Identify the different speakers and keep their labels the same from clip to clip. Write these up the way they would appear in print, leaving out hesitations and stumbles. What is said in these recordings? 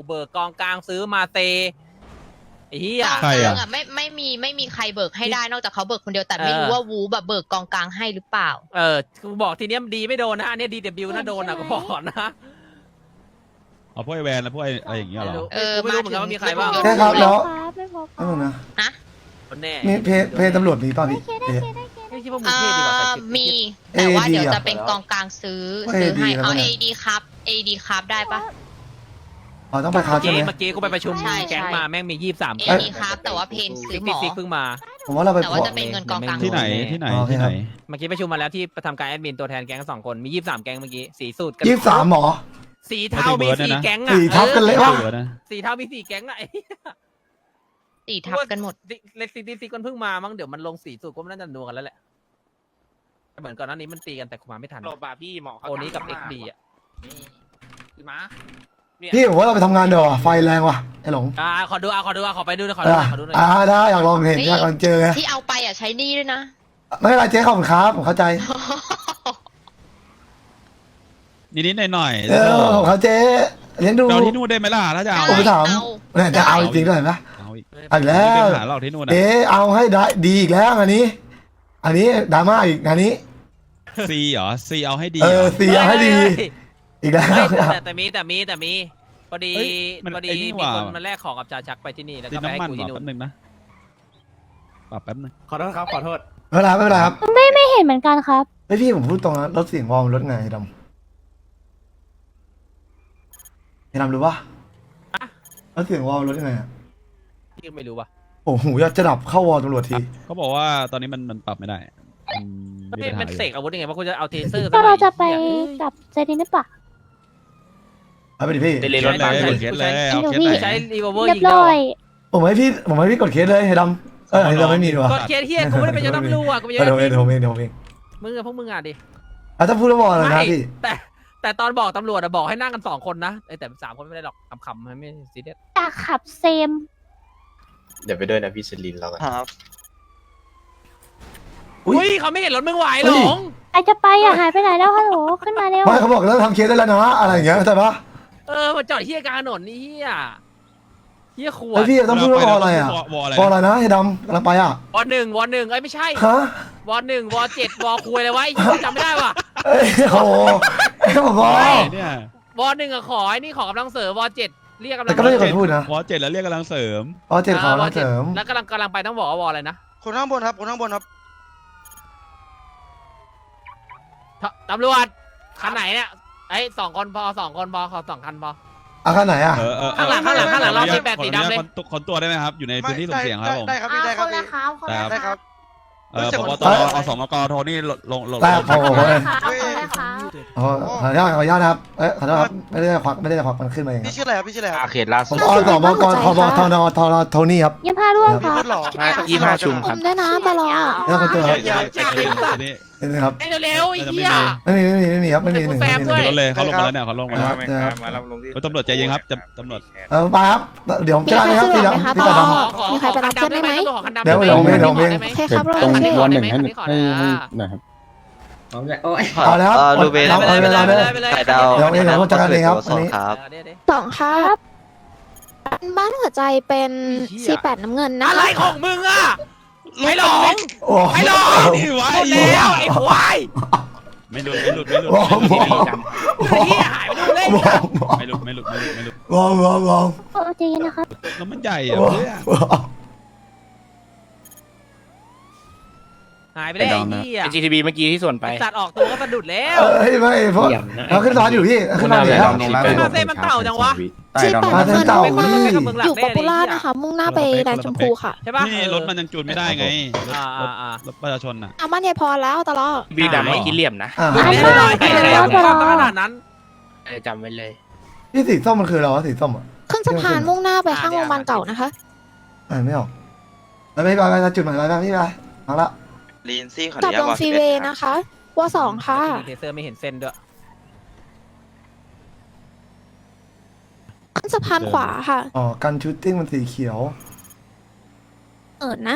Speaker 1: เบิกกองกลางซื้อมาเตไอ้เหี้ย
Speaker 2: กอง
Speaker 3: ใคร
Speaker 2: กลา
Speaker 3: อะ
Speaker 2: งอ่ะไม่มีใครเบิกให้ได้นอกจากเขาเบิกคนเดียวแต่ไม่รู้ว่าวูแบบเบิกกองกลางให้หรือเปล่า
Speaker 1: กูบอกทีเนี้ยดีไม่โดนนะอันเนี้ยดีแต่บิวน่าโดนนะกูบอกก่อนนะ
Speaker 3: เอาพวกไอแวนแล้วพวกไออะไรอย่างเงี้ยเหรอ
Speaker 1: ไม่รู้เหมือนกันว่ามีใครบ้าง
Speaker 4: ใช่ครับแล้ว
Speaker 5: ไม่พบ
Speaker 4: นั่นนะ
Speaker 1: คนแน่
Speaker 4: มีเพจตำรวจมีป่ะพี่เพจ
Speaker 1: ไม่คิดว่ามึงเท่ดีกว่าใส่ชุด
Speaker 2: มีแต่ว่า
Speaker 4: AD
Speaker 2: เดี๋ยวจะเป็นกองกลางซื้อให้
Speaker 4: AD
Speaker 2: เอา
Speaker 4: แล้วเนี่ย
Speaker 2: AD ครับ AD ครับได้ปะ
Speaker 4: อ๋อต้องไปคาใช่ไหม
Speaker 1: เมื่อกี้กูไปประชุม
Speaker 2: ใช่
Speaker 1: แก๊งมาแม่งมี23
Speaker 2: AD ครับแต่ว่าเพนซื้อหมอ
Speaker 1: ซิกเพิ่งมา
Speaker 4: ผมว่าเราไป
Speaker 2: แต่ว่าจะเป็นเงินกองกลาง
Speaker 3: ที่ไหนที่ไหน
Speaker 4: โอเค
Speaker 3: ที่
Speaker 4: ค
Speaker 3: ไห
Speaker 4: รั
Speaker 3: น
Speaker 4: บ
Speaker 1: เมื่อกี้ประชุมมาแล้วที่ประทำการแอดมินตัวแทนแก๊ง2 คนมี23แก๊งเมื่อกี้สีสูตรกัน
Speaker 4: 23หมอ
Speaker 1: สีเทามี4แก๊งอ่ะ
Speaker 4: สี่ทับกันเลย
Speaker 3: เหลือนะ
Speaker 1: สีเทามี4แก๊งอ่ะ
Speaker 2: ตีทับกันหมด
Speaker 1: เล็กซิกมันเพิ่งมามั้งเดี๋ยวมันลงสีสูตรก็น่าจะนัวกันแล้วแหละเหมือนก่อนหน้านี้มันตีกันแต่กูมาไม่ทัน
Speaker 6: โหลบาพี่หมอเขา
Speaker 1: โอนี้กับ
Speaker 6: ถาม
Speaker 1: XD อ่ะ
Speaker 6: คือม้า
Speaker 4: พี่ผมว่าเราไปทำงานเดี๋ยวาไฟแรงว่ะไอ้หลง
Speaker 1: ขอดูขอไปดูขอ
Speaker 4: เอ
Speaker 1: ดู
Speaker 4: อ
Speaker 1: ขอดูหน่อย
Speaker 4: ได้อยากลองเห็นอยากลองเจอไง
Speaker 2: ที่เอาไปอ่ะใช้หนี่ด้วยนะ
Speaker 4: ไม่เป็นไรเจ๊ขอบคุณครับผมเข้าใจ
Speaker 3: นิดๆหน่อยๆ
Speaker 4: เออผมเข้าเจ๊เลี้ยงดู
Speaker 3: เราที่นู่นได้ไหมล่ะถ้าจะเอา
Speaker 4: ผมไปถาม
Speaker 2: เอา
Speaker 4: เนี่ยจะเอาจริงๆด้วยเห็นไหม
Speaker 3: เอาอีก
Speaker 4: เอาอีกแล้ว
Speaker 3: มีปัญหาเราที่นู่นนะ
Speaker 4: เอ๊ะเอาให้ได้ดีอีกแล้วอันนี้ดราม่าอีกอันนี้
Speaker 3: ซีเหรอซีเอาให้ดี
Speaker 4: เอ
Speaker 3: เหร
Speaker 4: อ
Speaker 3: อ
Speaker 4: เสียให้ดีอีกแล้ว
Speaker 1: แต่มีพอดี
Speaker 3: เฮ้ยมัน
Speaker 1: พอดี
Speaker 3: ไอ้นี่
Speaker 1: มี
Speaker 3: ว่ะ
Speaker 1: คนมาแลกของกับจ่าชักไปที่นี่แล้ว
Speaker 3: ติ
Speaker 1: ก็
Speaker 3: ด
Speaker 1: ไปให้
Speaker 3: น้ำมัน
Speaker 1: กู
Speaker 3: เหร
Speaker 1: ที่
Speaker 3: อ
Speaker 1: นู่น
Speaker 3: แป๊บนึงนะปรับแป๊บนึง
Speaker 6: ขอโทษครับขอโทษ
Speaker 4: ไม่เป็นไรครับ
Speaker 5: ไม่เห็นเหมือนกันครับ
Speaker 4: เฮ้ยพี่ผมพูดตรงนะรถเสียงวอลรถไงดำรู้ปะรถเสียงวอลรถยังไงอะ
Speaker 1: พี่ไม่รู้ว่ะ
Speaker 4: โอ้โหอยากจะดับเข้าวอลตำรวจที
Speaker 3: เขาบอกว่าตอนนี้มันปรับไม่ได้มีปัญหา
Speaker 1: มัน
Speaker 3: อยู่
Speaker 1: เสกอาวุธยังไงเพราะกูจะเอาเทเซอร์
Speaker 5: ก็เราจะไปกับเจดินหรือเปล่า
Speaker 4: เอาไปดิพี่
Speaker 6: เดลิ
Speaker 3: เค
Speaker 6: ร
Speaker 3: ส
Speaker 6: ถ
Speaker 3: เล
Speaker 6: บัส
Speaker 3: ย
Speaker 6: เลย
Speaker 3: เคสเลยเอาเคส
Speaker 5: พี่
Speaker 3: ไหน
Speaker 1: ใช้รีวอลเวอร์
Speaker 5: เรีย
Speaker 1: ยิ
Speaker 5: บ
Speaker 1: งได้
Speaker 5: ร้อ
Speaker 1: เหร
Speaker 5: ย
Speaker 1: อ
Speaker 4: ผมให้พี่กดเคสเลยให้ดำเราไม่มีดีกว่าก
Speaker 1: ดเคสเฮียกูไม่ได้เป็นเจ้าตำรวจกูไม่
Speaker 4: เดี๋
Speaker 1: ใช่
Speaker 4: ยวผมเอง
Speaker 1: มึงกับพวกมึงอ่ะดิ
Speaker 4: ถ้าพูดแล้ววอลอะไรนะพี่
Speaker 1: แต่ตอนบอกตำรวจอะบอกให้นั่งกัน2 คนนะแต่3 คนไม่ได้หรอกขำๆไม่ซีเรียส
Speaker 5: อยากขับเซม
Speaker 7: เดี๋ยวไปด้วยนะพี่เซรินเรากัน
Speaker 1: อุ้ยเขาไม่เห็นรถมึงไหวหรอง
Speaker 5: ใครจะไปอ่ะหายไปไหนแล้วฮัลโหลขึ้นมาเร็ว
Speaker 4: ไม่เขาบอกแล้วทำเคสได้แล้วนะอะไรอย่างเงี้ยเข้าใจปะ
Speaker 1: มาจอดเฮียกลางถนนนี่เฮียขว
Speaker 4: ไอ
Speaker 1: ด
Speaker 4: พี่ต้องพูดว่าวอลอะไรอ่ะ
Speaker 3: วอลอะไร
Speaker 4: วอลอะไรนะให้ดำกำลังไปอ่ะ
Speaker 1: วอ1เอ้ยไม่ใช่
Speaker 4: ฮะ
Speaker 1: วอ1วอ7วอคุยอะไรวะไอ้จำไม่ได้ว่ะ
Speaker 4: เอ้ยโอ้โหไอ้ผมบอก
Speaker 3: เนี่ยว
Speaker 1: อ1อะขอไอ้นี่ขอกำลังเสริมวอ7เรียกกำลั
Speaker 4: แต่
Speaker 1: ง
Speaker 4: ก็ไม่ได้กดพูดนะ
Speaker 3: วอล7แล้วเรียกกำลังเสริม
Speaker 4: วอลเจ็ดขอมาเสริม
Speaker 1: แล้วกำลังไปต้องบอกว่าวออะไรนะ
Speaker 8: คนข้างบนครับคนข้างบนครับ
Speaker 1: ตำรวจคันไหนเนี่ยไอ้2 คนพอ2 คนพอขอ2 คันพอ
Speaker 4: อาคันไหนอ่ะ
Speaker 1: ข้างหลังเรามี8สีดำเลย
Speaker 3: คนตัวได้ไหมครับอยู่ในพื้นที่สุ่มเสี่ยงครับผม
Speaker 8: ได้ครับพี่ได้ครับพี่
Speaker 3: ได้ครับ
Speaker 8: ได้ครับ
Speaker 3: พบตรอสมกโทนี่ลง
Speaker 4: แต่โอ้โห
Speaker 8: เฮ้ย
Speaker 4: ขออนุญาตนะครับขอโทษครับไม่ได้ควักมันขึ้นมาเอง
Speaker 8: พี่ชื่ออะไรครับพี่ชื่ออะไรครับ
Speaker 6: เขตล่า
Speaker 4: ผ
Speaker 6: สุ
Speaker 4: ม
Speaker 6: ด
Speaker 4: อสมกทบโทนี่ครับ
Speaker 5: ยังพาร่วงค
Speaker 8: พี่
Speaker 5: รับ
Speaker 8: พูดหล่อ
Speaker 6: 25 ชุมครับ
Speaker 5: ได้นะตลอด
Speaker 4: แล้วคนตัวครับ
Speaker 3: นี่
Speaker 4: นี่ครับ
Speaker 1: ไอ้เร็วๆไอ้เหี้ย
Speaker 4: ไม่มีครับไม่มีหนึ่ง
Speaker 3: รถเลยเขาลงมาแล้วเนี่ยเขาลงมาแล้ว
Speaker 7: มารับลงที่
Speaker 3: ตำรวจใจเย็นครับตำรวจ
Speaker 4: ไปครับเดี๋ยวผมจะได้ครับพี่ดำพี่ตาดำ
Speaker 5: มีใครไปรับเพื่อนได้ไหม
Speaker 4: เดี๋ยวผมเอง
Speaker 5: โอเคครับ
Speaker 1: ตรง
Speaker 5: โอเค
Speaker 1: ให้หน่อยครับ
Speaker 4: เอาแล้วครับ
Speaker 7: ลูเบน
Speaker 4: เอาเวลาเลย
Speaker 1: ไปเลย
Speaker 7: ไข่ดาว
Speaker 4: เดี๋ยวเดี๋ยวผมจัดการเองครับอันนี้
Speaker 7: ครับ
Speaker 5: สองครับบ้านหัวใจเป็น48น้ำเงินนะ
Speaker 1: อะไรของมึงอ่ะไม่หลง
Speaker 4: โอ้
Speaker 1: ไม่หลง
Speaker 3: นี่ไว้
Speaker 1: หมดแล้วไอ้ควาย
Speaker 3: ไม่หลุด
Speaker 4: มอง
Speaker 1: ไอ้เหี้ยหายไปดูเลย
Speaker 3: ไม่หลุด
Speaker 4: มอง
Speaker 5: ใจเย็นนะครับ
Speaker 3: แล้วมันใหญ่อะเพื่อน
Speaker 1: หายไปได้ไอ้เหี้ย
Speaker 6: เป็น GTB เมื่อกี้ที่ส่วนไป
Speaker 1: สัตว์ออกตัวก็สะดุดแล้ว
Speaker 4: ไม่เพราะเราขึ้นร้านอยู่พี่ขึ้นร้านอยู่แล้ว
Speaker 1: มาเซมันเต่าจังวะ
Speaker 5: 48
Speaker 4: มา
Speaker 5: น้ำ
Speaker 4: เส้
Speaker 5: เงิ
Speaker 4: น
Speaker 5: น
Speaker 4: เต่า
Speaker 5: อยู่ป๊อปปูล่านะคะ มุ่งหน้าไปแดนชมพูค่ะ
Speaker 1: ใช่ปะ
Speaker 3: นี่รถมันยังจูนไม่ได้ไงรถประชาชนอ่ะ
Speaker 5: เอาบ้านยายพรแล้วตลอด
Speaker 6: บีดำไม่กินเหลี่ยมนะ
Speaker 1: ดูแน่นอนไอ้เหี้ยขนาดนั้น
Speaker 6: จำไว้เลย
Speaker 4: พี่สีส้มมันคืออะไรวะสีส้มอ่ะ
Speaker 5: ขึ้นสะพานมุ่งหน้าไปข้างโรงพยาบาลเก่านะคะ
Speaker 4: ไม่ออกไปจุดหมายไปพี่ไปเอาละ
Speaker 7: ลีนซี่ขออ
Speaker 5: กับ
Speaker 7: นุญา
Speaker 5: ล
Speaker 7: ต
Speaker 5: ง
Speaker 7: วาง
Speaker 5: ฟรีเวย์นะคะวสองค่ะ
Speaker 1: เทเซอร์ไม่เห็นเส้นด้วย
Speaker 5: ขึ้นสะพานขวาค่ะ
Speaker 4: อ๋อกันชูตติ้งมันสีเขียว
Speaker 5: นะ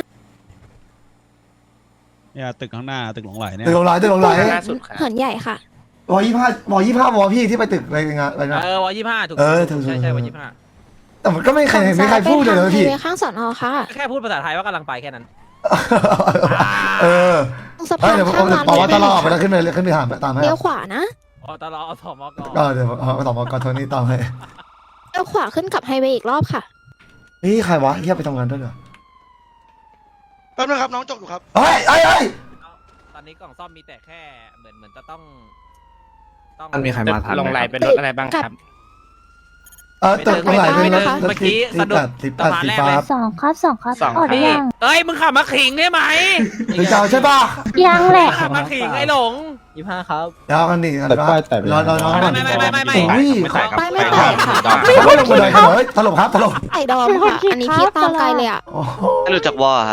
Speaker 3: เนี่ยตึกข้างหน้าตึกหลงไหลเนี่ย
Speaker 4: ตึกลงไหล
Speaker 6: ล่าสุดครับ
Speaker 5: เหินใหญ่ค่ะ
Speaker 4: วอ25วอพี่ที่ไปตึกอะไรงานอะไรนะ
Speaker 1: วอ25ถูก
Speaker 4: ถูก
Speaker 1: ใช่วอ25
Speaker 4: แต่มันก็ไม่ใครพูดเลยนะพี่
Speaker 5: ไปข้างสอนอค่ะ
Speaker 1: แค่พูดภาษาไทยว่ากำลังไปแค่นั้น
Speaker 4: เออ
Speaker 5: ตรงสะพาน
Speaker 4: เดี๋ยวผม
Speaker 5: ข้างร้าน
Speaker 4: บอกว่าตลอดไปแล้วขึ้นไปหาตามให้
Speaker 5: เลี้ยวขวานะ
Speaker 1: อ๋อตลอดเอาสมก
Speaker 4: ก็เดี๋ยวเอาต่อมากอนโทนี่ตามให้
Speaker 5: เลี้ยวขวาขึ้นกับไฮเวย์อีกรอบค่ะ
Speaker 4: นี่ใครวะเฮียไปทำงานด้วยเหรอ
Speaker 8: แป๊บนึงครับน้องจกอยู่ครับ
Speaker 4: เฮ้ย
Speaker 1: ตอนนี้กล่องซ่อมมีแต่แค่เหมือนจะต้อง
Speaker 7: มันมีใครมาทัน
Speaker 6: ลง
Speaker 7: ไหม
Speaker 6: ไหลเป็นรถอะไรบ้างครับ
Speaker 4: ตึกตรงไหนเป็นรถ
Speaker 1: เมื่อกี้สะดุด
Speaker 4: สี
Speaker 1: สะพานแรก
Speaker 4: ฟ้า
Speaker 1: เลย
Speaker 9: 2 ครับ 2 ครับ
Speaker 6: สอง
Speaker 9: ออกหรือยัง
Speaker 1: เอ้ยมึงขับมาขิงได้ไหม
Speaker 4: หรือจะเอาใช่ป่ะ
Speaker 9: ยังแหละ
Speaker 1: ขับมาขิงไอ้หลง
Speaker 10: 25 ครับ
Speaker 4: เดี๋ยวเอากันดิกันว่ารอน้องก่อน
Speaker 1: ไม่
Speaker 4: โอ้ย
Speaker 5: ไม่แตกค่ะ
Speaker 4: เขาลงมาเลยกันเลยตลบครับตลบ
Speaker 5: ไอ้ดอมค่ะ อันนี้พี่ตามไกลเลยอ่ะ
Speaker 4: โอ้โห
Speaker 7: ไม่รู้จักวอครับ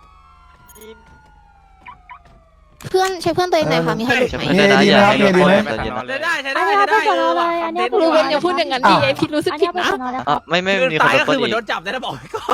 Speaker 5: เพื่อนใช้เพื่อนตัวเองหน่อยค่ะ มีใครหลุดไหม
Speaker 4: มีดีไหมครับมีดีไหม
Speaker 1: ใช้ได้ใช้ได้ใช้ได้
Speaker 9: อันนี้
Speaker 5: รู้เว้นอย่าพูดอย่างนั้นดิไอพี่รู้สึก
Speaker 9: อัน
Speaker 5: ผิ
Speaker 9: นี้
Speaker 5: ด
Speaker 9: ไป
Speaker 5: นะ
Speaker 9: สนอแล้วค
Speaker 7: อ่ะ
Speaker 9: รับ
Speaker 7: ไม่
Speaker 1: คือ
Speaker 7: มีค
Speaker 1: ตาน ย
Speaker 7: โด
Speaker 1: ก็
Speaker 7: น
Speaker 1: คือเห
Speaker 7: ป
Speaker 1: มือน
Speaker 7: ดี
Speaker 1: โดนจับได้นะบอกไว้ก่อน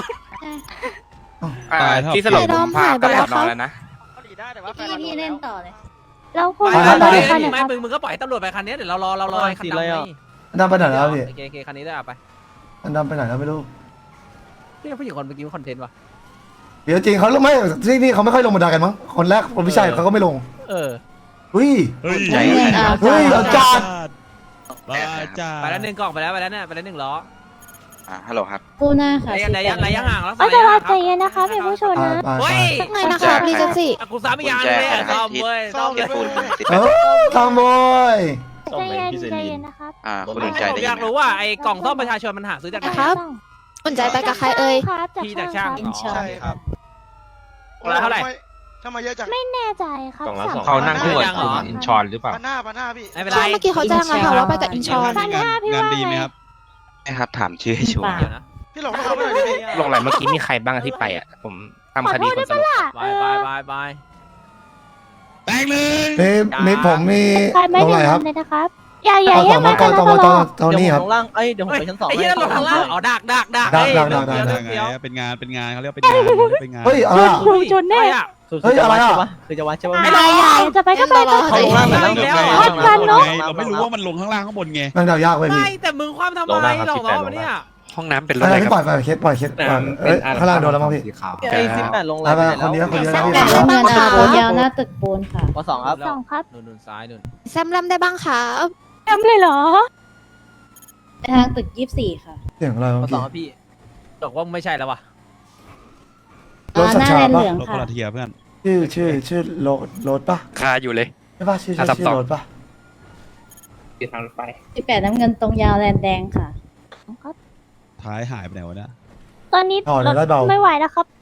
Speaker 6: ที่สลบผมพากลับสอนอแล้วนะ
Speaker 9: พี่เล่นต่อเลยเราคุย
Speaker 1: ไม่
Speaker 9: กัน
Speaker 1: ไม่
Speaker 9: เลยค่ะเนี่ย
Speaker 1: ไม่มึงก็ปล่อยตำรวจไปคันนี้เดี๋ยวเรารอคันดำไป
Speaker 4: อันดำไปไหนแล้วพี่
Speaker 1: โอเคคันนี้ได้ไป
Speaker 4: อันดำไปไหนแล้วไม่รู้
Speaker 1: พี่ผู้หญิงคนเมื่อกี้คอนเทนต์วะ
Speaker 4: เดี๋ยวจริงเขาไม่ที่นี่เขาไม่ค่อยลงบันไดกันมั้งคนแรกคนพิชัยเขาก็ไม่ลง
Speaker 1: เออ
Speaker 4: อุ้ย
Speaker 3: เฮ้ย
Speaker 7: ใจ
Speaker 4: เฮ้ยเอาจัด
Speaker 3: บ้าจ้า
Speaker 1: ไปแล้วหนึ่งกล่องไปแล้วเนี่ยไปแล้ว1 ล้อ
Speaker 7: ฮัลโหลครับ
Speaker 9: ปูหน้าค่ะ
Speaker 1: ระยะห่างแล้ว
Speaker 9: เอาแต่ว่าใจเย็นนะคะเป็นผู้ชนนะ
Speaker 1: เฮ้ย
Speaker 5: สักหน่อยนะคะมีกันสิ
Speaker 1: กูสามอีกอย่างเลยซ่อมเว้ยซ่อม
Speaker 8: เก็บปูน
Speaker 4: เออทำบอย
Speaker 9: ใจเย็นใจเย็นนะครับ
Speaker 7: คุณลุงใจ
Speaker 1: ผม
Speaker 7: ได้
Speaker 1: อ
Speaker 7: ยิ
Speaker 1: ยาก
Speaker 7: นไหม
Speaker 1: รู้ว่าไอ้กล่องซ่อมประชาชนมันหาซื้อจากไหน
Speaker 5: ครับ สนใจไปกับใครเอ่ย
Speaker 9: ครับจาก
Speaker 1: พี่จากช่าง
Speaker 9: ครับ
Speaker 8: ใช่ครับ
Speaker 1: เท่าไหร่
Speaker 8: ทำไมเยอะจัง
Speaker 9: ไม่แน่ใจครับ
Speaker 6: เขานั่งคู่กับ
Speaker 1: ยังเหรอ
Speaker 6: อินชอนหรือเปล่า
Speaker 8: ปาหน้าพี่
Speaker 1: ไม่เป็นไร
Speaker 5: ใช่เมื่อกี้เขาแจ้งมาค่ะว่าไปกับอินชอน
Speaker 3: งานดีไหมครับ
Speaker 7: ไม่ครับถามชื่อให้ชัวร์
Speaker 1: เดี๋ยวนะ
Speaker 8: พี่หลงเขาไม่ได้พี่
Speaker 6: ลงไหลเมื่อกี้มีใครบ้างที่ไปอ่ะ ผมทำคดีคนสลบ
Speaker 1: บาย
Speaker 3: แตกเลย
Speaker 4: นี่ผมมี
Speaker 9: ใครไม่
Speaker 4: ลง
Speaker 9: ได้
Speaker 4: ไหนครับ
Speaker 9: ทำเลยนะครับ อย่า
Speaker 4: เอา
Speaker 9: แย
Speaker 4: ต่อก มา
Speaker 9: กัน
Speaker 4: ต่อ
Speaker 9: นะ
Speaker 4: มา
Speaker 9: ต
Speaker 4: ต่อ
Speaker 9: ลอด
Speaker 4: ตอนนี้ครับ
Speaker 10: ลงล่างเอ้ยเดี๋ยวผมไปชั้น 2
Speaker 1: ไอ้เหี้ยลงข้างล่างอ๋อดัก
Speaker 3: เป็นงานเขาเรียกว่าเป็นงาน
Speaker 4: เฮ้ยอะไร
Speaker 9: ครูจนแน่
Speaker 4: เฮ้ยอะไรอ่ะ
Speaker 10: คือจะวัดใช่ปะ
Speaker 1: ไม่รอ
Speaker 9: จะไปก็ไปก็
Speaker 10: เขาลงล่างเหมือน
Speaker 1: ไม่
Speaker 10: เรา
Speaker 1: รอ
Speaker 9: วัดกันเนอะ
Speaker 3: เราไม่รู้ว่ามันลงข้างล่างข้างบนไง
Speaker 4: นั่งเดายากเว้ยพี่
Speaker 1: ไม่แต่มึงความทำไมหลอกล้อมันเนี่ย
Speaker 6: ห้องน้ำเป็นรถ
Speaker 4: อะ
Speaker 6: อะไร ไร
Speaker 4: ที่
Speaker 6: ค
Speaker 4: ปล่
Speaker 6: รั
Speaker 4: อบ ยเคสเอ้ยข้างล่างโดนแล้วมั้งพี่
Speaker 10: ไอ้18ลง
Speaker 4: ไปไปคนนี้คนนี้นะพี่
Speaker 5: แต่ละบ้านค่ะ
Speaker 9: ปูนยาวหน้าตึกปูนค่ะ
Speaker 10: ป2ครับ
Speaker 9: 2 ครับ
Speaker 1: นู่นซ้ายนู่น
Speaker 5: แซมลัมได้บ้างค่ะ
Speaker 9: จำเลยเหรอทางตึก24ค่ะ
Speaker 4: เสียงอะไร
Speaker 10: ป
Speaker 4: เมื่อกี้
Speaker 10: 2ครับพี่
Speaker 1: บอกว่าไม่ใช่แล้ววะ
Speaker 4: รถสัญชาติ
Speaker 9: เห
Speaker 4: ปะ
Speaker 9: ลือง
Speaker 3: รถค
Speaker 9: ค่ะ
Speaker 3: นละเทียเพื่อน
Speaker 4: ชื่อโรถปะ
Speaker 6: คาอยู่เลย
Speaker 4: ใช่ปะชื่อโรถปะ
Speaker 6: ติดทางรถไฟ
Speaker 9: 18น้ำเงินตรงยาวแลนแดงค่ะ
Speaker 3: ท้ายหายไปไหนวะเนี่ย
Speaker 9: ตอนนี้
Speaker 4: อ๋อเดี๋ยวได้เบา
Speaker 9: ไม่ไหวแล้วครับ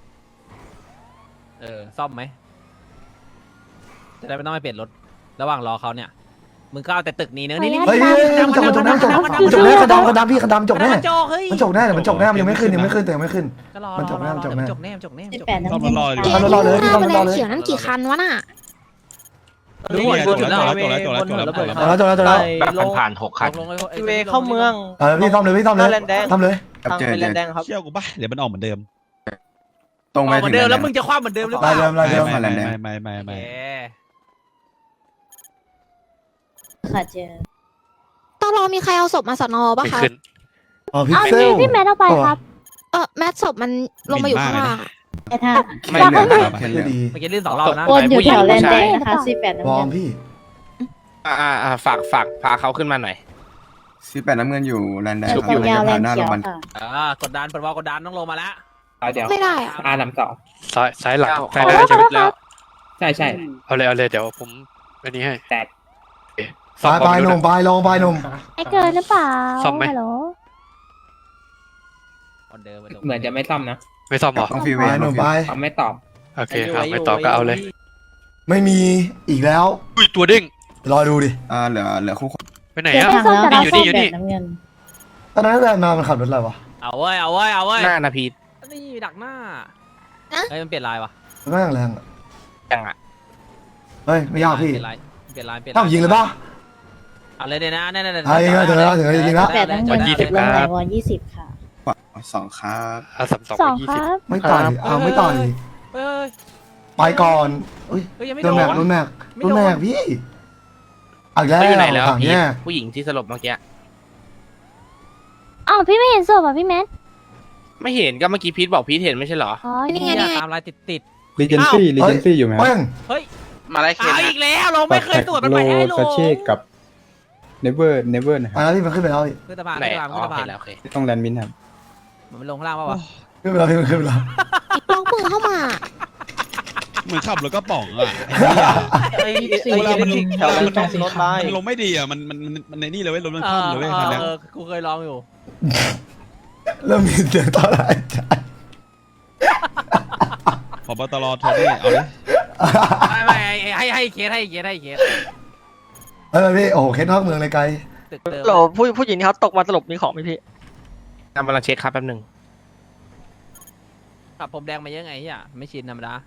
Speaker 1: ซ่อมไหมจะได้ไม่ต้องไปเปลี่ยนรถระหว่างรอเขาเนี่ยมึงก็เอาแต่ตึกนี้เนื้อนี่
Speaker 4: เฮ้ยมันจกแน่กระดำพี่กระดำจกแน่
Speaker 1: โจเฮ้ย
Speaker 4: มันจกแน่มันจกแน่มันยังไม่ขึ้นแต่ยังไม่ขึ้น
Speaker 1: ก็รอ
Speaker 4: มันจบแน่มันจบแน่
Speaker 1: จบแน่
Speaker 9: 18น้ำเงิน
Speaker 4: เอารอเลยพี่
Speaker 5: หน้า
Speaker 4: ต้อง
Speaker 5: แม
Speaker 4: รอ
Speaker 5: ลง
Speaker 4: เลย
Speaker 5: เขียวนั่นกี่คันวะน่ะ
Speaker 1: ดูหมดจุดแล้ว
Speaker 10: บนหัวระเบิด
Speaker 4: แล้วจบแล้ว
Speaker 6: แบบผ่าน6คัน
Speaker 10: เวเข้าเมือง
Speaker 4: พี่ซ่อมเลยทำเลย
Speaker 10: ทางเป็นแลนแดงครับ
Speaker 3: เชี่ยวกูป่ะเดี๋ยวมันออกเหมือนเดิม
Speaker 7: ตรงไป
Speaker 1: เหมือนเดิมแล้วมึงจะคว้าเหมือนเดิมหรือเปล่า
Speaker 4: ลายเดิม
Speaker 3: ไม่
Speaker 9: ค่ะเจอ
Speaker 5: ตอนรอมีใครเอาศพมาสอนอปะคะ
Speaker 4: อ๋อพิก
Speaker 9: เอา
Speaker 4: เซล
Speaker 9: พี่แมทเอาไปครับ
Speaker 5: แมทศพมันลงมาอยู่ข้างล่าง
Speaker 9: แต่ทาง
Speaker 7: ไม่เหลือครับ
Speaker 4: แค่ดี
Speaker 1: เมื่อกี้ลื่น2 รอบนะ
Speaker 9: วนอยู่แถวแลนแดงนะคะ18น้ำ
Speaker 4: วอ
Speaker 9: เงิ
Speaker 4: ร์ม
Speaker 9: น
Speaker 4: พี่
Speaker 6: ฝากพาเขาขึ้นมาหน่อย
Speaker 7: 18น้ำเงินอยู่แลนด์แดง
Speaker 9: ตรงยาวแลนเขียวค่ะ
Speaker 1: กดดันเปิดวอลกดดันต้องลงมาแล้ว
Speaker 6: เดี๋ยว
Speaker 5: ไม่ได้อะ
Speaker 6: นำต่อซ้ายหลัง
Speaker 9: ขอโทษขอโทษครับ
Speaker 6: ใช่เอาเลยเดี๋ยวผมอันนี้ให้แตก
Speaker 4: ไปหนุ่มไปลงไปหนุ่ม
Speaker 9: ไอ้เกินหรือเปล่า
Speaker 6: ซ่อมไหม
Speaker 9: ฮัลโหล
Speaker 1: คนเดิม
Speaker 6: เหมือนจะไม่ซ่อมนะ ไม่ซ่อมหรอ
Speaker 7: ต้องฟี
Speaker 4: ไป
Speaker 7: เวย์
Speaker 4: หนุ่มไป
Speaker 6: เขาไม่ตอบโอเคครับไม่ตอบก็เอาเลย
Speaker 4: ไม่มีอีกแล้ว
Speaker 6: อุ้ยตัวเด้ง
Speaker 4: รอดูดิ
Speaker 7: เหลือคู่
Speaker 6: ไปไหน
Speaker 9: เดี๋ยว
Speaker 6: อะ
Speaker 9: ให้ซ่อมแต่เรา
Speaker 6: อยู่
Speaker 9: ซ่อ
Speaker 6: นี่
Speaker 9: ม
Speaker 6: อยู่
Speaker 9: แบ
Speaker 6: นี่
Speaker 9: บน้ำเงิน
Speaker 4: ตอนนั้นแบนมามันขับรถอะไรวะ
Speaker 1: เอาเว้ย
Speaker 6: หน้านาพี
Speaker 1: นี่ดักหน้าเฮ้ยมันเปลี่ยนลายวะ
Speaker 4: แม่งแรง
Speaker 6: จังอ่ะ
Speaker 4: เฮ้ยไม่ยากพี่
Speaker 1: เปลี่ยนลาย
Speaker 4: ต้องยิงเลยป่ะ
Speaker 1: เอาเลยเนี่ยนะเนี่ย
Speaker 4: เอายิงแล้วถึงแล้วยิงแล้ว
Speaker 9: 18น้ำเงินตึกลงไหนวอ20ค่ะ
Speaker 7: 2ครับ
Speaker 9: 2 ครับ
Speaker 4: ไม่ต่อยไม่ต่อย
Speaker 1: เฮ้ย
Speaker 4: ไปก่อนอุ้ย
Speaker 1: ยังไม่
Speaker 4: โด
Speaker 1: โด
Speaker 4: น
Speaker 1: น
Speaker 4: แม็กพี่อีกแล้ว
Speaker 6: เขาอยู่ไหนแล้ว
Speaker 4: ถัง
Speaker 6: พี
Speaker 4: แย่
Speaker 6: ผู้หญิงที่สลบเมื่อกี้
Speaker 9: เอ้าพี่ไม่เห็นศพอ่ะพี่แมท
Speaker 6: ไม่เห็นก็เมื่อกี้พีทบอกพีทเห็นไม่ใช่เหรอ
Speaker 9: อ๋อ
Speaker 5: นี่ไง
Speaker 1: เหี้ย
Speaker 5: นี่ไง
Speaker 1: ตามลายติด
Speaker 11: รีเจนซี่รีเจนซี่อยู่ไหมค
Speaker 4: เป้
Speaker 11: รับ
Speaker 4: ง
Speaker 1: เฮ้ย
Speaker 6: มาไล่เคส
Speaker 1: เอาอีกแล้วลงไม่เคยตรวจมัน
Speaker 11: โล
Speaker 1: ไปให้ลง
Speaker 11: ซาเช่กับเนเวอร์นะค
Speaker 4: อ่ะ
Speaker 11: รับ
Speaker 4: พี่มันขึ้นไปแล้วพี่
Speaker 1: ขึ้นสะพาน
Speaker 6: ไหน
Speaker 1: ขึ้นสะพาน
Speaker 6: อ๋
Speaker 1: ขึ้
Speaker 6: อน
Speaker 1: สะพาน
Speaker 6: เห็นแล้วโอเค
Speaker 11: ที่ต้องแลนด์มินครับ
Speaker 1: มันลงข้างล่างป่าวะ
Speaker 4: ขึ้นไปแล้วพี่มันขึ้นไปแล้ว
Speaker 5: น้องเพิ่งเข้ามา
Speaker 3: เหมือนขับรถกระป๋องอ่ะ
Speaker 10: ไอ้เวลามันลง
Speaker 11: แถวนั้น
Speaker 10: มันรถไป
Speaker 3: มันลงไม่ดีอ่ะมันในนี่เลยเว้ยรถมันคว่ำเลยเว้ยคันเนี้ย
Speaker 1: กูเคยลองอยู่
Speaker 4: เริ่มมีเสียงต่อหลายใจ
Speaker 3: ผบตรโทนี่เอาเลย
Speaker 1: ไม่ให้เคส
Speaker 4: เออพี่โอ้โหเคสนอกเมืองเลยไกล
Speaker 1: ตึกเดิม
Speaker 10: โหลผู้หญิงที่เขาตกมาสลบมีของไหมพี่
Speaker 6: กำลังเช็คครับแป๊บหนึง
Speaker 1: ขับผมแดงมาเยอะไงเฮียไม่ชินธรรมดา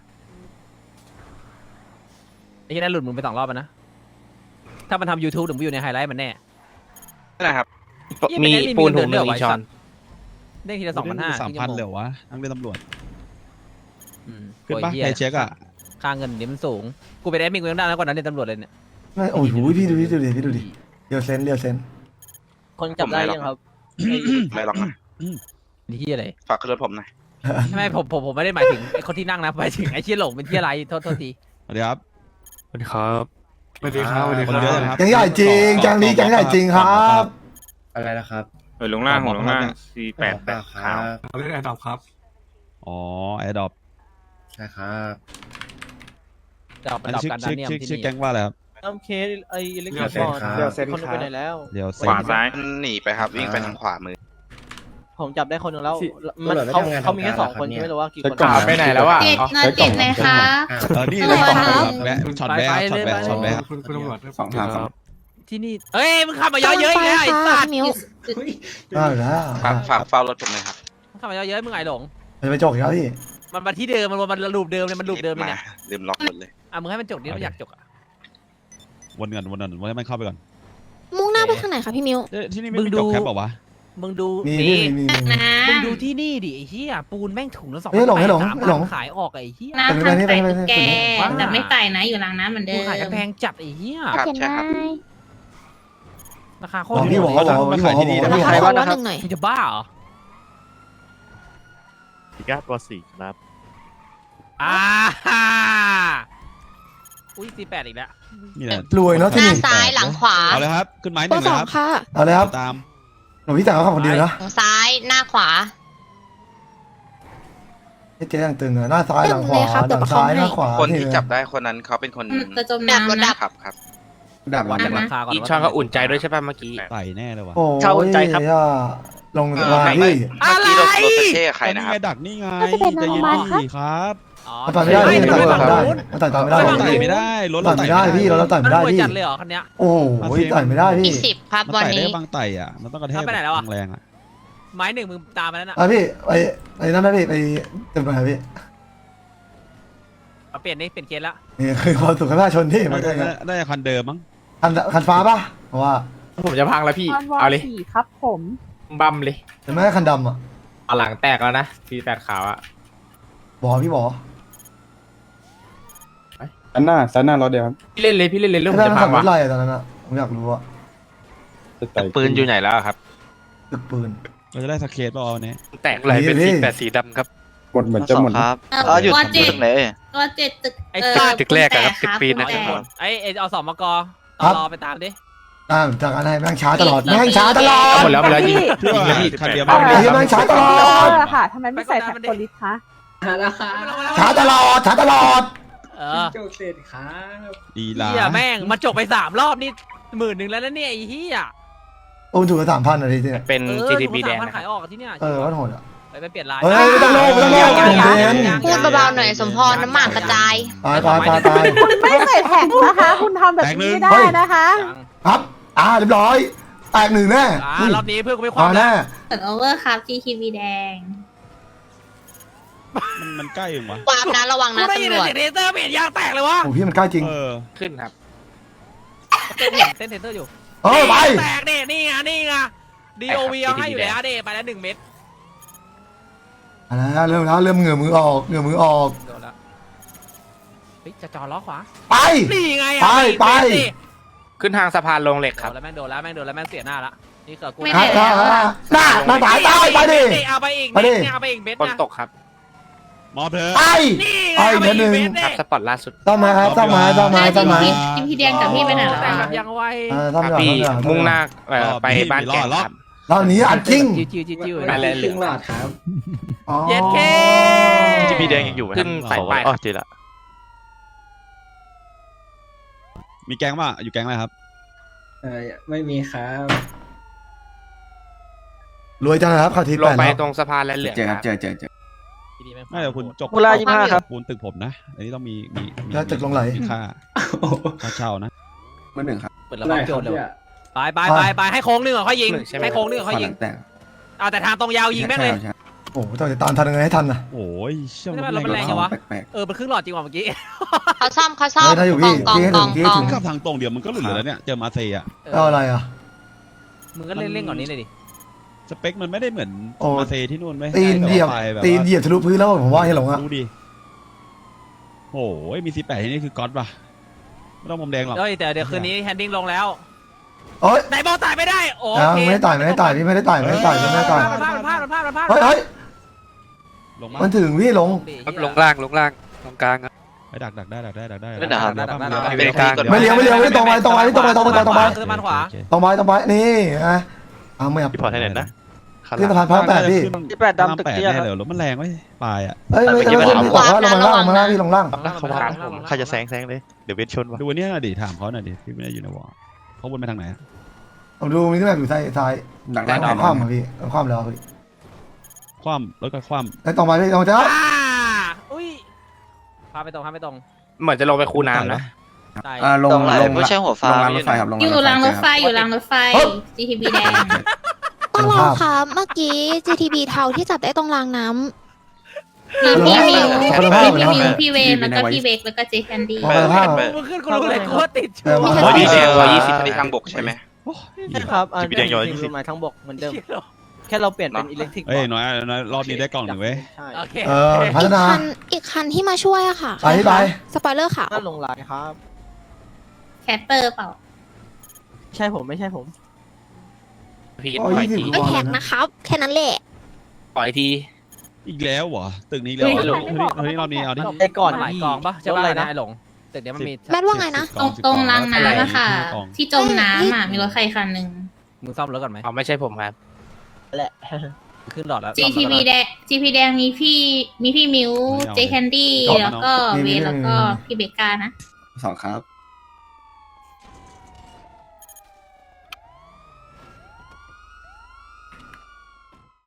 Speaker 1: ไอ้ที่นั่นหลุดมึงไป2 รอบแล้วนะถ้ามันทำ YouTube ถึงไปอยู่ในไฮไลท์มันแน่
Speaker 6: นะครับ
Speaker 1: ยี่
Speaker 6: มี
Speaker 1: เป็นไง
Speaker 6: ปูน
Speaker 1: มี
Speaker 6: ถุงหนึ่ง
Speaker 1: เงินเดือน
Speaker 6: อีกช้อน
Speaker 1: เด้งทีละ2,500
Speaker 3: 3,000เลยเหรอวะทั้งเป็นตำรวจ
Speaker 1: อืม
Speaker 3: ขึ้นปะ
Speaker 1: โอ้ยเหี้ย
Speaker 3: ไทยเช็คอ่ะ
Speaker 1: ค่าเงินเดี๋ยวมันสูงกูไปได้มีกูยังได้แล้วกว่านั้นในตำรวจเลยเนี่ย
Speaker 4: ไม่โอ้โหพี่ดูดิพี่ดูดิเรียวเซนเรียวเซน
Speaker 10: คนจับได้ยังครับ
Speaker 6: ไม่หรอกนะ
Speaker 1: นี่ที่อะไร
Speaker 6: ฝากขึ้นรถผมหน่อย
Speaker 1: ไม่ผมไม่ได้หมายถึงไอ้คนที่นั่งนะหมายถึงไอ้เชี่ยหลงเป็นเชี่ยอะไรโทษที
Speaker 3: สวัสดีครับ
Speaker 6: สวัสดีครับ
Speaker 7: สวัสดีครับ
Speaker 3: คนเยอะเลยครับ
Speaker 4: แกงใหญ่จริงแกงนี้แกงใหญ่จริงครับ
Speaker 7: อะไรนะครับ
Speaker 6: ลงล่าง
Speaker 3: ลงล่าง
Speaker 6: 488ขาว
Speaker 7: เรื่องอะไรครับ
Speaker 3: อ๋อแอร์ดรอป
Speaker 7: ใช่ครับ
Speaker 1: จะเอาไป
Speaker 3: อัน
Speaker 1: ดับ
Speaker 3: ชื่อ
Speaker 1: การดา
Speaker 3: ชื่อ
Speaker 1: เนียม
Speaker 3: ชื่อ
Speaker 1: ที่
Speaker 3: ชื่อ
Speaker 1: นี่
Speaker 3: แก๊งว่าอะไรครับ
Speaker 10: น้ำเคสไอ้อิเล็กท
Speaker 7: เดี๋
Speaker 10: ร
Speaker 7: ยวเซ็น
Speaker 10: อ
Speaker 7: ครับ
Speaker 10: เดี๋ยวเซ็นคนไปไหนแล้ว
Speaker 3: เดี๋ยว
Speaker 6: ข
Speaker 3: เซ็น
Speaker 6: วาซ้ายหนีไปครับวิ่งไปทางขวามือ
Speaker 10: ผมจับได้คนหนึ่งแล้ว
Speaker 7: สิ
Speaker 10: มัน
Speaker 7: ตำรวจไม่
Speaker 10: เขา
Speaker 7: ทำงาน
Speaker 10: เขามีแค่
Speaker 7: ทำการ
Speaker 10: 2 คน
Speaker 7: เหรอครับ
Speaker 10: ไม่รู้ว่ากี่คน
Speaker 11: ใช้กล่อง
Speaker 6: ไปไหนแล้วอะ
Speaker 9: เจ็ดนอนเจ็ดเลยค่ะ
Speaker 3: นี่
Speaker 9: ทำ
Speaker 3: เลย
Speaker 9: ไม
Speaker 3: ช็อต
Speaker 9: ครับ
Speaker 3: แวะช็อตแวะช็อตแวะ
Speaker 7: คุณตำรวจสองถามครับ
Speaker 1: ที่นี่เอ้ยมึงขับมาเยอะๆอีกแล้วไอ้สัตว์
Speaker 5: มิว
Speaker 4: ได้แล้ว
Speaker 6: ฝากเฝ้ารถผมหน่อยครับ
Speaker 1: มึงขับมาเยอะๆมึงไงหลง
Speaker 4: จะไปจกอีกแล้วพี่
Speaker 1: มันมาที่เดิมมันลูปเดิมเลยมันลูปเดิมเลยเนี่ย
Speaker 6: ลืมล็อกรถเลย
Speaker 1: อ่ะมึงให้มันจบดิมันอยากจบอ่ะ
Speaker 3: วนก่อนวนให้มันเข้าไปก่อน
Speaker 5: มุ่งหน้าไปทางไหนคะพี่มิว
Speaker 3: ที่นี่ไม่มีจบแคปบอกว่าวะ
Speaker 1: มึงดู
Speaker 4: นี่
Speaker 1: นี่
Speaker 4: นี่
Speaker 9: นะ
Speaker 1: มึงดูที่นี่ดิไอ้เหี้ยปูนแม่งถุงละ2,800
Speaker 4: เฮ้ยหลงให้หลง
Speaker 1: ขายออกไอ้เหี้ย
Speaker 9: น้ำ
Speaker 4: ไป
Speaker 9: ทำ
Speaker 4: นี่
Speaker 9: ใส่
Speaker 4: ไปนี่
Speaker 9: ตุ๊กแก
Speaker 1: ไปนี่
Speaker 9: แต่ไม่ใส่นะอยู่หลังน้ำเหมือนเดิ
Speaker 1: กู
Speaker 9: ม
Speaker 1: ขายกันแพงจัดไอ้เหี้ย
Speaker 6: ครับ
Speaker 9: เห็น
Speaker 6: ใช่
Speaker 9: ไหม
Speaker 6: ครับ
Speaker 1: ราคาโค
Speaker 4: บ
Speaker 1: ต
Speaker 4: อก
Speaker 1: ร
Speaker 4: พี่
Speaker 1: ถู
Speaker 4: บอก
Speaker 1: ก
Speaker 4: บอกบอกบอกพี่บอก
Speaker 10: มีใครบ้างนะครับ
Speaker 5: หนึ่งหน่อย
Speaker 1: มึงจะบ้าเหรอ
Speaker 6: พิก้าตัว4ครับ
Speaker 1: อ่าอุ้ย48อีกแล้ว
Speaker 3: นี่แหละ
Speaker 4: รวยเนาะ
Speaker 2: ห
Speaker 4: ที่
Speaker 2: น้า
Speaker 4: นี่
Speaker 2: ซ้ายหลังขวา
Speaker 3: เอาเลยครับขึ้นไม้ห
Speaker 5: เบอ
Speaker 3: นึ่ง
Speaker 5: ร์
Speaker 3: เลย
Speaker 5: 2
Speaker 3: ครับ
Speaker 5: ค่ะ
Speaker 4: เอาเลยครับ
Speaker 3: ตาม
Speaker 4: หนูพี่จ่ายเขาขับคนเดียวนะ
Speaker 2: หลังซ้ายหน้าขวา
Speaker 4: เจ๊ยังตึงเลยหน้าซ้ายหลังขวา
Speaker 5: เลยครับ
Speaker 4: หลังซ้ายหน้าขวา
Speaker 6: คนที่จับได้คนนั้นเขาเป็นคน
Speaker 9: จะจม
Speaker 2: ดับรถ
Speaker 9: น้ำ
Speaker 2: ดั
Speaker 9: นะ
Speaker 2: บ
Speaker 6: ครับ
Speaker 7: ดับ
Speaker 1: วั
Speaker 7: วัน น
Speaker 1: จากราคาก่อน
Speaker 6: อีช่องก็อุ่นใจด้วยใช่ป่ะเมื่อกี้
Speaker 3: ไต่แน่เลยว่ะ
Speaker 4: โอ้
Speaker 10: เช่าใจครับ
Speaker 4: ยลงมา
Speaker 6: ไม่
Speaker 4: พี่
Speaker 6: เมื่อกี้รถซาเช่ใครนะครับ
Speaker 3: ไงดักนี่ไง
Speaker 9: ก็จะเป็น
Speaker 3: ใจเย็น
Speaker 9: โรงพยาบาลครับ
Speaker 3: ดีครับ
Speaker 1: อ๋อ
Speaker 4: มันต่อยไม่ได้พี่
Speaker 1: ไม่
Speaker 4: มัน
Speaker 1: ฝั่ง
Speaker 4: ต่อย
Speaker 1: นู้น
Speaker 4: ไม่ได้มันต่อยไม่ได้
Speaker 3: เราไต่ไม่ได้รถ
Speaker 4: ต่อยไม่ได้พี่เราต่อย
Speaker 1: มัน
Speaker 4: ไม่ได้
Speaker 1: รวย
Speaker 4: พี่
Speaker 1: จัดเลยเหรอคันเนี้ย
Speaker 4: โอ้โหต่อยไม่ได้พี่
Speaker 2: 20ครับ
Speaker 3: มัน
Speaker 2: วัน
Speaker 3: ไต่ได้
Speaker 2: นี้
Speaker 3: บางไต่อ่ะมันต้องกระแทก
Speaker 1: แล้วไปไหนแล้วอะ
Speaker 3: แรงๆอ่ะ
Speaker 1: ไม้หนึ่งมึงตามมาแล้วน่ะ
Speaker 4: อ่ะพี่ไปนั่นไหมพี่ไปตึกไหนพี่
Speaker 1: เอาเปลี่ยนนี่เปลี่ยนเกณฑ์ละ
Speaker 4: นี่คือความสุขของประชาชนที่มัน
Speaker 3: ได้คันเดิมมั้ง
Speaker 4: คันฟ้าป่ะเพราะว่า
Speaker 6: ผมจะพังแล้วพี่ เอาเลย
Speaker 9: ครับผม
Speaker 6: บัมเลย
Speaker 4: แต่ไม่คันดำอ่ะ
Speaker 6: เอาหลังแตกแล้วนะ48ขาวอะ
Speaker 4: บอกพี่บอก
Speaker 11: ด้านหน้าล้อเดียวครับ
Speaker 6: พี่เล่นเลยเรื่อง
Speaker 4: ไม่
Speaker 6: ผม
Speaker 4: ได้
Speaker 6: จะ
Speaker 4: ขั
Speaker 6: พั
Speaker 4: บ
Speaker 6: ง
Speaker 4: ร
Speaker 6: วะ
Speaker 4: ถอะไรอะตอนนั้นอ่ะผมอยากรู้อ่ะ
Speaker 11: จะไต่
Speaker 6: ปืนอยู่ไหนแล้วครับ
Speaker 4: ตึกปืน
Speaker 3: เราจะได้สเกตเปล่าวันนี้
Speaker 6: แตกอะไรเป็น
Speaker 4: พี่
Speaker 6: สีดำครับ
Speaker 11: หมดเหมือนจะหมด
Speaker 9: ตัวเจ็ดตัวเจ็ดตึก
Speaker 1: ไอ้สัตว์
Speaker 6: ตึกแรกอะครับตึกปีนนะ
Speaker 9: ตึกแรก
Speaker 1: ไอ้เอาสมกรอไปตามดิ
Speaker 4: จากอะไรแม่งช้าตลอดแม่งช้าตลอด
Speaker 6: หมดแล้วยิง
Speaker 3: พี่ว่าคันเดียว
Speaker 4: ไอ้เหี้ยแม่งช้าตลอด
Speaker 9: ค่ะทำไมไม่ใส่แท็กโพลิสคะ
Speaker 4: ช้าตลอดช้าตลอด
Speaker 1: เออ
Speaker 3: ดีลา
Speaker 1: เฮียแม่งมาจบไป3 รอบนี่10,000แล้วนะเนี่ยไอ้เฮีย
Speaker 4: โอ้ถูกกัน3,000อะไรที่เนี่ย
Speaker 6: เป็น GTB แดง
Speaker 1: มัน
Speaker 6: นะค
Speaker 1: ขา
Speaker 6: รับ
Speaker 1: ยออกที่เนี่ย
Speaker 4: วัดโหดอ่ะ
Speaker 1: ไปเปลี่ยนลาย
Speaker 4: เฮ้ยไม่ต้องโลภไม่ต้องโลภ
Speaker 2: พูดเบาๆหน่อยสมพรน้ำหมากกระจาย
Speaker 4: ตาย
Speaker 9: ไม่ใส่แท็กนะคะ คุณทำแบบนี้ไม่ได้นะคะ
Speaker 4: ครับเรียบร้อยแตกหนึ่งแน่
Speaker 1: รอบนี้เพื่อนกูไม่ค
Speaker 4: พอ
Speaker 1: วาม
Speaker 4: แน่
Speaker 9: เปิดโอเวอร์ครับ GTV แดง
Speaker 3: มันใกล้ยังวะ
Speaker 2: ความนะระวัง
Speaker 1: กู
Speaker 2: นะ
Speaker 1: ได้ยิน
Speaker 2: ตำรวจ
Speaker 1: เสียงเทเตอร์เปลี่ยนยางแตกเลยวะ
Speaker 4: โอ้พี่มันใกล้จริง
Speaker 3: เออ
Speaker 6: ขึ้นครับ
Speaker 1: เต้นเทเตอร์อยู่
Speaker 4: ไป
Speaker 1: แตกเนี่ยนี่ไง DOV เอาให้อยู่แล้วเดไปแล้ว1 เม็ด
Speaker 4: เริ่มแล้วเริ่มเหงื่อมือออก
Speaker 1: โดนแล้วเฮ้ยจะจอล้อขวา
Speaker 4: ไป
Speaker 1: นี่ไง
Speaker 4: ไป
Speaker 6: ขึ้นทางสะพานลงเหล็ก
Speaker 1: ค
Speaker 6: ค
Speaker 1: รั
Speaker 6: รั
Speaker 1: บบ แล้วแม่งโดนแล้วแม่งเสียหน้าละนี่ก็กู
Speaker 9: ไม่
Speaker 4: หน้า
Speaker 9: ได้
Speaker 4: หน้าตายตายไปดิ
Speaker 1: เอาไปอีก
Speaker 4: ไปดิ
Speaker 1: เม็ดเนี่ยเอาไปอีกเม็ด
Speaker 6: ฝน
Speaker 1: นะ
Speaker 6: ตกครับ
Speaker 3: มอบเธอะ
Speaker 4: ไอ้
Speaker 1: นี่
Speaker 4: ไอ้
Speaker 1: เอาไป
Speaker 4: เม็ดห
Speaker 1: อี
Speaker 4: นึ่
Speaker 1: ก
Speaker 4: ง
Speaker 1: เม็ด
Speaker 6: ครับ
Speaker 1: เนี่ย
Speaker 6: สปอร์ตล่าสุด
Speaker 4: ต้องมาครับต้องมาต้องมาต้องมา
Speaker 9: จิมพี่แดงกับพี่ไปไหนแล้ว
Speaker 1: แต่
Speaker 9: อะ
Speaker 1: แบบยังไว
Speaker 4: ต้อง
Speaker 6: ครับ
Speaker 4: มา
Speaker 6: พี่
Speaker 4: ต้องมา
Speaker 6: มุ่งหน้าไปบ้านแก่ครับ
Speaker 4: ตอนนี้อัดจริง
Speaker 1: จิ้ว
Speaker 6: ไปเลยเหลือง
Speaker 1: เย็ดเค
Speaker 6: จิมพี่แดงยังอยู่ขึ้นสายป้ายอ๋อเจอละ
Speaker 3: มีแก๊งป่ะอยู่แก๊งอะไรครับ
Speaker 10: ไม่มีครับ
Speaker 4: รวยจังนะครับข่าวที
Speaker 6: ลง
Speaker 4: แปด
Speaker 6: ไป
Speaker 4: แล้ว
Speaker 6: ตรงสะพานและเหลืองครับ
Speaker 7: เจอ
Speaker 3: ไม่แต่คุณจก
Speaker 10: เวลา25ครับ
Speaker 3: ปูนตึกผมนะ อันนี้ต้องมี
Speaker 4: แล้วตึกลงไหล
Speaker 3: มีค่าเช่านะ
Speaker 7: เมื่อหนึ่งครับ
Speaker 1: เปิดระเบิดโจทย์เลยไปให้โค้งนึงเหรอค่อยยิงให้โค้งนึงเหรอค่อยยิง
Speaker 7: แต่
Speaker 1: เอาแต่ทางตรงยาวยิงแม่งเลย
Speaker 4: โอ้โหต้องจะตามทันยังไงให้ทันนะ
Speaker 3: โอ้ยเชื่อ
Speaker 1: ไม่
Speaker 3: มัน
Speaker 1: ได้มันแรงจังวะ
Speaker 7: แปลก
Speaker 1: มันครึ่งหลอดจริงว่ะเมื่อกี้
Speaker 2: เขาซ่อม
Speaker 4: เฮ้ยถ้าอยู่พี่
Speaker 2: กอง
Speaker 4: พี่ให้
Speaker 2: ก
Speaker 4: ถึ
Speaker 2: อง
Speaker 4: งพี่
Speaker 2: ก
Speaker 4: ให้
Speaker 2: อง
Speaker 4: ถึง
Speaker 3: ก็ทางตรงเดียวมันก็เหลือแล้วเนี่ย เจอมาเซีย
Speaker 4: เอาอะไรอ่ะ
Speaker 1: มึงก็เล่นก่อนนี้เลยดิ
Speaker 3: สเปคมันไม่ได้เหมือน
Speaker 4: โอ้
Speaker 3: มาเซที่นู่นไหม
Speaker 4: ตีนเหยียบ
Speaker 3: แต่ว่าไปแบบ
Speaker 4: ตีน
Speaker 3: ว่า
Speaker 4: เหยียบทะลุพื้นแล้วผมว่าให้หลงอ่ะ
Speaker 3: ดูดิโอ้ยมี18ที่นี่คือก๊อตป่ะไม่ต้องมุมแดงหรอก
Speaker 1: เฮ้ยแต่เดี๋ยวคืนนี้แฮนดิ้งลงแล้ว
Speaker 4: โอ๊ย
Speaker 1: ไหนบอกตายไม่ได้โอ
Speaker 4: อ้าว
Speaker 1: เค
Speaker 4: ไม่ได้ต่ายพี่ไม่ได้ต่ายพี่ไม่ได้ต่าย
Speaker 1: มันพลาด
Speaker 4: เฮ้ยเฮ้ย
Speaker 3: ลงมา
Speaker 4: มันถึงพี่หลง
Speaker 6: ลงล่างตรงกลาง
Speaker 3: ไปดักได้
Speaker 6: ไม่ได้ครับ
Speaker 3: ไม่ได้กลาง
Speaker 4: ไม่เลี้ยวไม่ตรงไปตรงไปตรงไปตรงไปตรงไป
Speaker 1: คือมันขวา
Speaker 4: ตรงไปนี่นะเอาไม่เอา
Speaker 6: พี่พอให้เน็ตนะ
Speaker 4: ขึ้นสะพานพระแปดพี่
Speaker 10: 18ดำตึกเตี้ย
Speaker 3: แน่
Speaker 10: ครับ
Speaker 3: เลยรถมันแรงไว้ปลายอ่ะ
Speaker 4: เอ้ยไม่ไม่ไม่บอกว่าลงมาล่างลงมาล่างพี่ลงล่าง
Speaker 6: ใครจะแซงเลยเดี๋ยวเวทชนวะ
Speaker 3: ดูอันนี้หน่อยดิถามเขาหน่อยดิพี่ไม่ได้อยู่ในวอลเขาวนไปทางไหนอะ
Speaker 4: ผมดูมีที่แบบอยู่ซ้าย
Speaker 7: ๆดักได้ไหม
Speaker 4: คว่ำอ่ะพี่คว่ำแล้วพี่
Speaker 3: คว่ำรถก็คว่
Speaker 4: ไอ้ตรงไปพี่ตรงจ้า
Speaker 1: อุ้ยพาไปตรง
Speaker 6: เหมือนจะลงไปคูน้ำนะ
Speaker 1: ตาย
Speaker 7: ลงไม่ใช่หัวฟ้ารางรถไฟครับลง
Speaker 9: อยู่รางรถไฟอยู่รางรถไฟ GTB แดง
Speaker 5: ต้องรอค่ะเมื่อกี้ GTB เทาที่จับได้ตรงรางน้ำ
Speaker 9: มีพี่มิว
Speaker 4: คนละภาพ
Speaker 9: พี่มิวพี่เวนแล้วก็พี่เบกแล้วก็เจแคนดี้
Speaker 4: คนละภาพ
Speaker 1: มึงขึ้นกูรู้เลยกูว่าติดชัว
Speaker 4: มี
Speaker 1: ร์
Speaker 4: แค่
Speaker 6: ดีเซล120ในทางบกใช่ไหม
Speaker 10: ใช่ครับอัน
Speaker 6: GTB แดงย้อย
Speaker 10: เป็นไม้ทั้งบกเหมือนเดิม แค่เราเปลี่ยนเป็นอิเล็กทริก
Speaker 3: ำเอ้ยน้อยรอบนี้ได้กล่องหนึ่งเว้ย
Speaker 10: ใช่
Speaker 1: โอเค
Speaker 4: พัฒนา
Speaker 5: อีกคันที่มาช่วยอะค่ะ
Speaker 4: ไปไป
Speaker 5: สปอยเลอร์ขาว
Speaker 10: น่าลงลายครับ
Speaker 9: แคตเตอร์เปล่า
Speaker 10: ใช่ผมไม่ใช่ผม
Speaker 6: พี่
Speaker 4: โอ้
Speaker 6: ปล่อย
Speaker 4: ย
Speaker 6: ที
Speaker 5: ไม่แท็กนะครับ แค่นั้นแหละ
Speaker 6: ปล่อยที
Speaker 3: อีกแล้วเหรอตึกนี้แล้วเหรอเฮ้ยรอบนี้เอาดิ
Speaker 10: ไอ้ก่อน
Speaker 1: หลาย
Speaker 10: พี่
Speaker 1: กองปะใช่
Speaker 10: รถ
Speaker 1: ปะ
Speaker 10: อะไร
Speaker 1: นะ
Speaker 10: นะ
Speaker 1: ไอ้หลงตึกเนี้ยมันมี
Speaker 5: แมทว่าไงนะ
Speaker 9: ตรงรางน้ำอะค่ะ ที่จมน้ำอะมีรถใครคันหนึ่ง
Speaker 1: มึงซ่อมรถก่อนไหม
Speaker 6: เอาไม่ใช่ผมครับ
Speaker 10: แหละ
Speaker 1: ขึ้นหลอดแล้ว
Speaker 9: GTB แดง GTB แดงมีพี่มิวเจแคนดี้แล้วก็เวนแล้วก็พี่เบกานะ
Speaker 7: 2ครับ